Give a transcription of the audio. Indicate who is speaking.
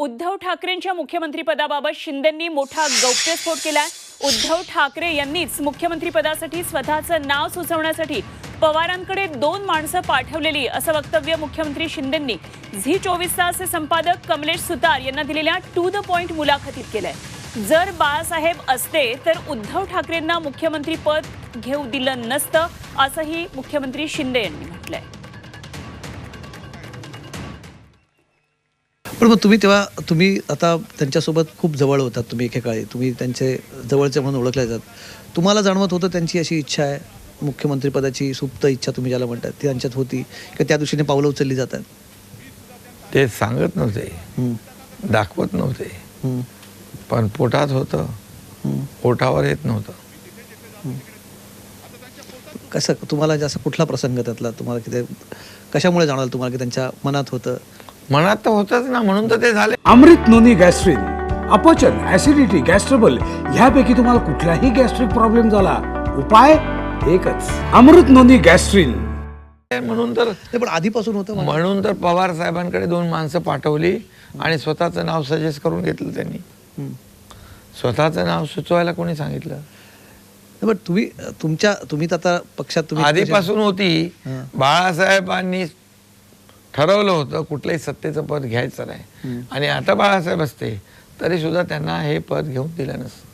Speaker 1: उद्धव ठाकरेंच्या मुख्यमंत्रीपदाबाबत शिंदेंनी मोठा गौप्यस्फोट केलाय। उद्धव ठाकरे यांनीच मुख्यमंत्रीपदासाठी स्वतःचं नाव सुचवण्यासाठी पवारांकडे 2 माणसं पाठवलेली असं वक्तव्य मुख्यमंत्री शिंदेंनी झी 24 तासचे संपादक कमलेश सुतार यांना दिलेल्या टू द पॉइंट मुलाखतीत केलंय। जर बाळासाहेब असते तर उद्धव ठाकरेंना मुख्यमंत्री पद घेऊ दिलं नसतं असंही मुख्यमंत्री शिंदे यांनी म्हटलंय।
Speaker 2: पण मग तुम्ही आता त्यांच्यासोबत खूप जवळ होतात, तुम्ही एकेकाळी तुम्ही त्यांचे जवळचे म्हणून ओळखले जातात। तुम्हाला जाणवत होतं त्यांची अशी इच्छा आहे, मुख्यमंत्रीपदाची सुप्त इच्छा तुम्ही ज्याला म्हणतात ती त्यांच्यात होती की त्या दिशेने पावलं उचलली जातात?
Speaker 3: ते सांगत नव्हते, दाखवत नव्हते, पण पोटात होतं, ओठावर येत नव्हतं।
Speaker 2: कसं तुम्हाला जास्त कुठला प्रसंग त्यातला तुम्हाला किती कशामुळे जाणवलं तुम्हाला की त्यांच्या मनात होतं?
Speaker 3: मनात तर होतच ना, म्हणून तर ते झाले।
Speaker 4: अमृत नोनी गॅस्ट्रिन, अपचन, ऍसिडिटी, गॅस्ट्रबल ह्यापैकी तुम्हाला कुठलाही गॅस्ट्रिक प्रॉब्लेम झाला, उपाय एकच, अमृत नोनी गॅस्ट्रिन।
Speaker 3: म्हणून तर
Speaker 2: पण आधीपासून होतं
Speaker 3: म्हणून तर पवार साहेबांकडे 2 माणसं पाठवली आणि स्वतःचं नाव सजेस्ट करून घेतलं त्यांनी। स्वतःचं नाव सुचवायला कोणी सांगितलं?
Speaker 2: पण तुम्ही तर आता पक्षात तुम्ही
Speaker 3: आधीपासून होती। बाळासाहेबांनी ठरवलं होतं कुठलंही सत्तेचं पद घ्यायचं नाही, आणि आता बाळासाहेब असते तरी सुद्धा त्यांना हे पद घेऊन दिलं नसतं।